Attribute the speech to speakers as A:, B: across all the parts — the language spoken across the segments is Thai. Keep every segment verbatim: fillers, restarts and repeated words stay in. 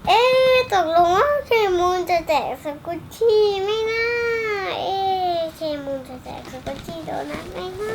A: เอ๊ะตกลงว่าเคมูนจะแจกสกุชชี่ไม่น่าเอ๊ะเคมูนจะแจกสกุชชี่โดนัทไม่น่า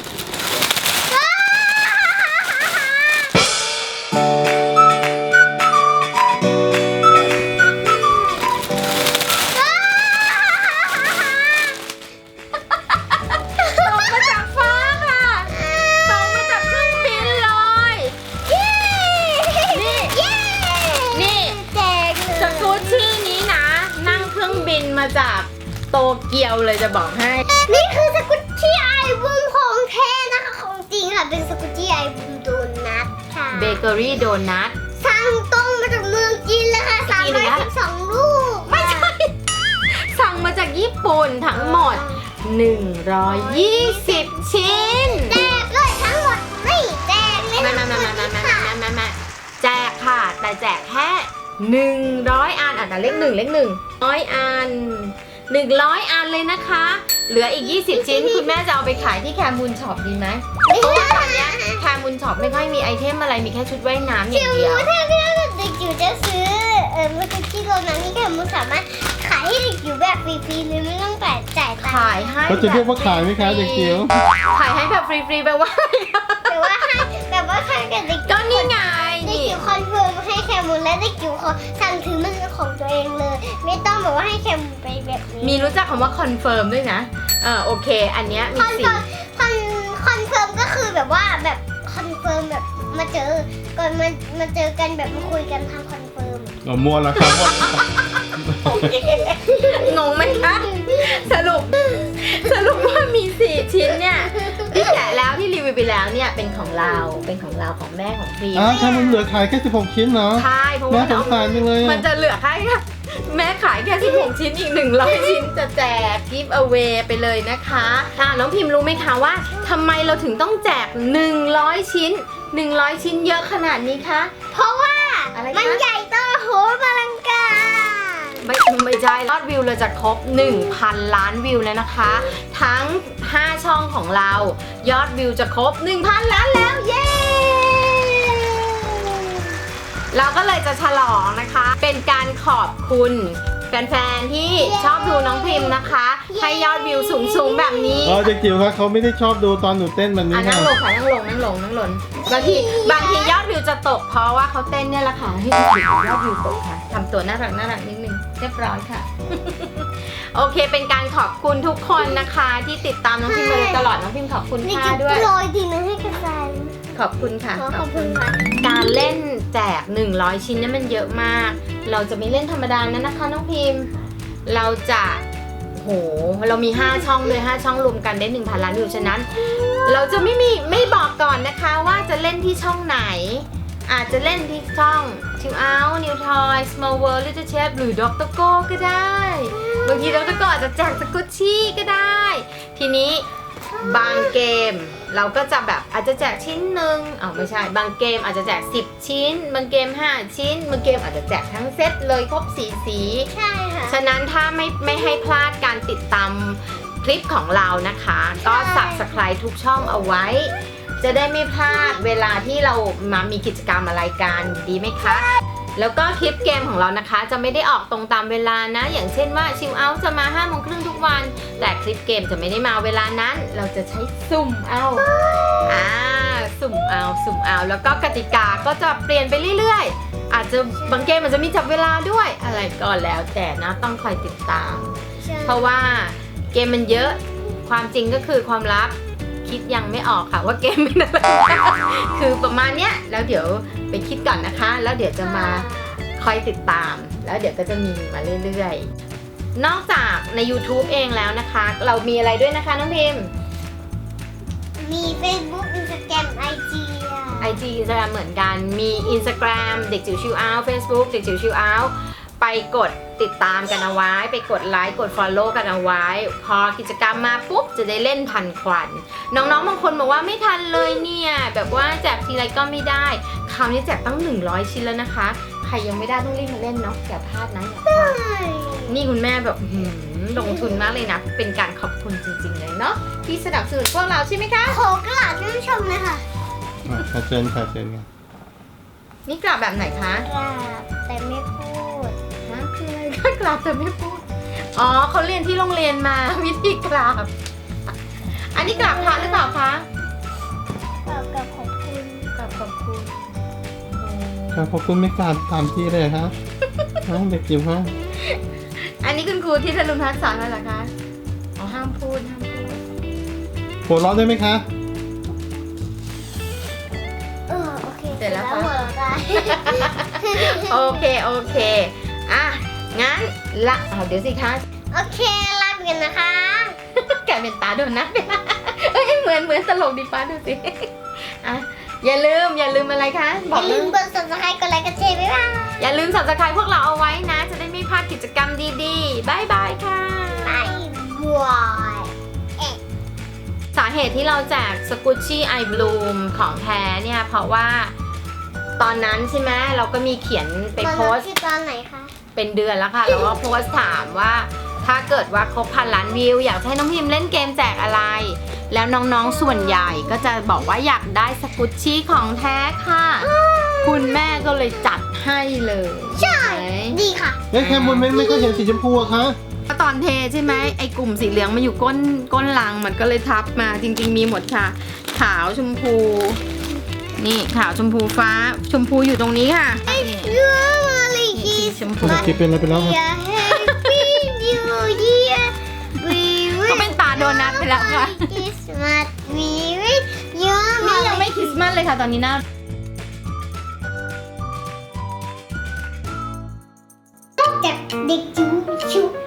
B: มาจากโตเกียวเลยจะบอกให้
A: นี่คือสกุชชี่ไอบุมของแท้นะคะของจริงค่ะเป็นสกุชชี่ไอบุมโดนัทค่ะ
B: เบเกอรี่โดนัท
A: สั่งตรงมาจากเมืองจีนเลยค่ะสามร้อยสิบสองลูก
B: ไม่ใช่สั่งมาจากญี่ปุ่นทั้งหมดหนึ่งร้อยยี่สิบชิ้น
A: แจกเลยทั้งหมดไม่แจกเลย
B: ไม่ไม่ไม่ไม่ไม่ไม่ไม่ไม่แจกค่ะแต่แจกแค่หนึ่งร้อยอันอ่ะเลขหนึ่งเลขหนึ่งร้อยอันหนึ่งร้อยอันเลยนะคะเหลืออีกยี่สิบชิ้นคุณแม่จะเอาไปขายที่แคมูนช็อปดีไหมเพราะว่าตอนนี้แคมูนช็อปไม่ค่อยมีไอเทมอะไรมีแค่ชุดว่ายน้ำอย่างเดียว
A: ถ้าพี่เด็กจิ๋วจะซื้อเออมาที่โรงนั้นนี่แคมูนสามารถขายให้เด็กจิ๋วแบบฟรีๆเลยไม่ต้องจ่ายจ่ายตังค์
B: ขายให้
C: เขาจะเรียกว่าขายไหมคะเด็กจิ๋ว
B: ขายให้แบบฟรีๆแปลว่า
A: แต่ว่าให้แบบว่าให้กับเด็ก
B: ก็นี่ไง
A: เด็กจิ๋วคอนเฟิร์มให้แคมูนและเด็กจิ๋วขอสั่งถือมันของตัวเองเลยไม่ต้องแบบว่าให้แคมูนไปแบบนี้
B: มีรู้จักคำว่าคอนเฟิร์มด้วยนะเออโอเคอันเนี้ยมีสิ่ง
A: คอนคอนเฟิร์มก็คือแบบว่าแบบคอนเฟิร์มแบบมาเจอก่อนมามาเจอกันแบบมาคุยกันทางคอนเฟิร์ม
C: อ๋อมัวแล้วครับ
B: โอเคงงไหมคะสรุปสรุปว่ามีสี่ชิ้นเนี่ยที่แกะแล้วที่รีวิวไปแล้วเนี่ยเป็นของเราเป็นของเราของแม่ของพี
C: อ้าวถ้ามันเหลือขายแค่สิบหกชิ้นเนาะ
B: ใช่เพราะว่า
C: แม่สงสารจังเลย
B: มันจะเหลือแค่แม่ขายแค่สิบหกชิ้นอีกหนึ่งร้อยชิ้นจะแจก give away ไปเลยนะคะค่ะน้องพิมพ์รู้ไหมคะว่าทำไมเราถึงต้องแจกหนึ่งร้อยชิ้นหนึ่งร้อยชิ้นเยอะขนาดนี้คะ
A: เพราะว่ามันใหญ่โตโหมอลังการ
B: ไม่ไม่ใช่ยอดวิวเราจะครบ หนึ่งพัน ล้านวิวแล้วนะคะทั้งห้าช่องของเรายอดวิวจะครบ หนึ่งพัน ล้านแล้วเย้เราก็เลยจะฉลองนะคะเป็นการขอบคุณแฟนๆที่ชอบดูน้องพิมพ์นะคะให้ยอดวิวสูงๆแบบนี้
C: อ๋อเด็กจิ๋วครับเขาไม่ได้ชอบดูตอนหนูเต้นแบบนี้
B: ค่ะนั่งลงค่ะนั่งลงนั่งลงนั่งลงบางทีบางทียอดวิวจะตกเพราะว่าเขาเต้นเนี่ยแหละค่ะให้ยอดวิวตกค่ะทำตัวน่ารักน่ารักนิดนึงเรียบร้อยค่ะโอเคเป็นการขอบคุณทุกคนนะคะที่ติดตามน้องพิมพ์มาตลอดน้องพิมพ์ขอบคุณค่ะด้วย
A: โรยดีนะให้กระจาย
B: ขอบคุณค่ะ
A: ขอบคุณค่ะ
B: การเล่นแจกหนึ่งร้อยชิ้นนี่มันเยอะมากเราจะไม่เล่นธรรมดานะนะคะน้องพิมพ์เราจะโหเรามีห้าช่องเลยห้าช่องรวมกันได้ หนึ่งพัน ล้านวิวฉะนั้นเราจะไม่มีไม่บอกก่อนนะคะว่าจะเล่นที่ช่องไหนอาจจะเล่นที่ช่อง Chill Out New Toy Small World Little Chef หรือ ด็อกเตอร์ โก้ ก็ได้บางที ด็อกเตอร์ โก้ อาจจะแจกสกุชชี่ก็ได้ทีนี้บางเกมเราก็จะแบบอาจจะแจกชิ้นหนึ่งอ๋อไม่ใช่บางเกมอาจจะแจกสิบชิ้นบางเกมห้าชิ้นบางเกมอาจจะแจกทั้งเซตเลยครบสี่สี
A: ใช่ค่ะ
B: ฉะนั้นถ้าไม่ไม่ให้พลาดการติดตามคลิปของเรานะคะก็ Subscribe ทุกช่องเอาไว้จะได้ไม่พลาดเวลาที่เรามามีกิจกรรมอะไรกันดีไหมคะแล้วก็คลิปเกมของเรานะคะจะไม่ได้ออกตรงตามเวลานะอย่างเช่นว่าชิลเอาท์จะมาห้าโมงครึ่งทุกวันแต่คลิปเกมจะไม่ได้มาเวลานั้นเราจะใช้สุ่มเอาอ่าสุ่มเอาสุ่มเอาแล้วก็กติกาก็จะเปลี่ยนไปเรื่อยๆอาจจะบางเกมอาจจะมีจับเวลาด้วยอะไรก็แล้วแต่นะต้องคอยติดตามเพราะว่าเกมมันเยอะความจริงก็คือความลับคิดยังไม่ออกค่ะว่าเกมเป็นอะไรคือประมาณเนี้ยแล้วเดี๋ยวไปคิดก่อนนะคะแล้วเดี๋ยวจะมาคอยติดตามแล้วเดี๋ยวก็จะมีมาเรื่อยๆนอกจากใน YouTube เองแล้วนะคะเรามีอะไรด้วยนะคะน้องพิมพ์
A: มี Facebook Instagram ไอ จี อ่ะ
B: ไอ จี Instagram เหมือนกันมี Instagram เด็กจิ๋วชิลเอาท์ Facebook เด็กจิ๋วชิลเอาท์ไปกดติดตามกันเอาไว้ไปกดไลค์กด Follow กันเอาไว้พอกิจกรรมมาปุ๊บจะได้เล่นทันควันน้องๆบางคนบอกว่าไม่ทันเลยเนี่ยแบบว่าแจกทีไรก็ไม่ได้คราวนี้แจกตั้งหนึ่งร้อยชิ้นแล้วนะคะใครยังไม่ได้ต้องรีบมาเล่นเนาะอย่าพลาดนะอย่าพลาดนี่คุณแม่แบบลงทุนมากเลยนะเป็นการขอบคุณจริงๆเลยเนาะที่สนับสนุนพวกเราใช่ไหมคะ
A: ขอกราบท่านผู้ชมเลยค่ะ
C: ค่ะเชิญค่ะเชิญค่ะ
B: นี่กราบแบบไหนคะ
A: กราบแต่ไม่พู
B: กราบแต่ไม่พูดอ๋อเขาเรียนที่โรงเรียนมาวิธีกราบอันนี้กราบพระหรือเปล่าคะ
A: กับกับขอบคุณ
B: กราบขอบคุณ
C: ครับขอบคุณไม่กราบตามที่เลยฮะฮะเด็กจิ๋วฮะ
B: อันนี้คุณครูที่ธนุพัฒน์สอนแล้วเหรอคะอ๋อห้ามพูดห้ามพูด
C: หัวเราะได้ไหมคะ
A: เออโอเค
B: เสร็จแล้ว
A: หั
B: คะ
A: วเราะได้
B: โอเคโอเคอ่ะงั้นละเอาเดี๋ยวสิคะ
A: โอเคลาไปกันนะคะ
B: แกเป็นตาโดนัทไปละเอ้ยเหมือนเหมือนตลกดีป้าดูสิอ่ะอย่าลืมอย่าลืมอะไรคะ
A: อบ
B: อย่ ก
A: ลื
B: ลื
A: ม
B: ม
A: กด subscribe กดไลค์กดแชร์บ๊ายบาย
B: อย่าลืม subscribe พวกเราเอาไว้นะ จะได้ไม่พลาดกิจกรรมดีๆบายบายค่ะ
A: บายบาย
B: สาเหตุที่เราแจกสกุชชี่ไอบลูมของแท้เนี่ย เพราะว่าตอนนั้นใช่ไหมเราก็มีเขียนไป
A: มา
B: โพ
A: รับ
B: สต์
A: ที่ตอนไหนคะ
B: เป็นเดือนแล้วค่ะ แล้วก็โพสต์ถามว่าถ้าเกิดว่าครบพันล้านวิว อยากให้น้องพิมพ์เล่นเกมแจกอะไร แล้วน้องๆส่วนใหญ่ก็จะบอกว่าอยากได้สกุชชี่ของแท้ค่ะ คุณแม่ก็เลยจัดให้เลย
A: ใช่
B: ไหม
A: ดีค่ะ
C: เอ๊ะแคมูลไม่ไม่ก็เห็นสีชมพูอะคะ
B: ตอนเทใช่ไหมไอ้กลุ่มสีเหลืองมันอยู่ก้นก้นลังมันก็เลยทับมาจริงๆมีหมดค่ะ ขาวชมพู นี่ขาวชมพูฟ้าชมพูอยู่ตรงนี้ค่ะนี่
A: ยูมาลี
B: นี่
A: คิ
B: สี
A: ส
B: ชมพู
C: เด็กจิ๋วเป็นอะไรไปแล้วครับ
A: อย่าแฮปปี้นิวเยียร์วีวิ
B: ก็เป็นตาโดนัทไปแล้วค่ะ
A: คริสต์มาสวีวิยู
B: นี่ยังไม่คริสต์มาสเลยค่ะตอนนี้หน้า
A: จากเด็กจิ๋วชิว